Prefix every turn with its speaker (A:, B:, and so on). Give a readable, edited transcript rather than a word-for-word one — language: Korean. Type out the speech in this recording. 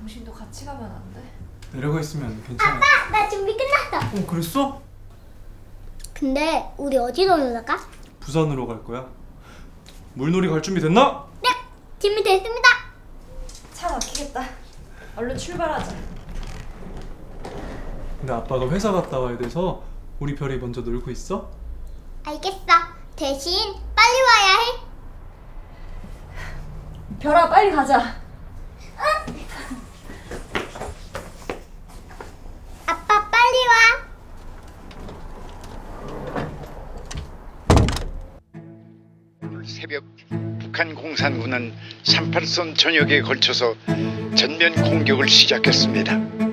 A: 당신도 같이 가면 안 돼?
B: 내려가 있으면 괜찮아.
C: 아빠, 나 준비 끝났어.
B: 그랬어?
C: 근데 우리 어디로 놀러 가?
B: 부산으로 갈 거야. 물놀이 갈 준비 됐나?
C: 네, 준비됐습니다.
A: 차 막히겠다. 얼른 출발하자.
B: 근데 아빠가 회사 갔다 와야 돼서 우리 별이 먼저 놀고 있어?
C: 알겠어. 대신 빨리 와야 해.
A: 별아, 빨리 가자.
C: 아빠 빨리 와.
D: 오늘 새벽 북한 공산군은 38선 전역에 걸쳐서 전면 공격을 시작했습니다.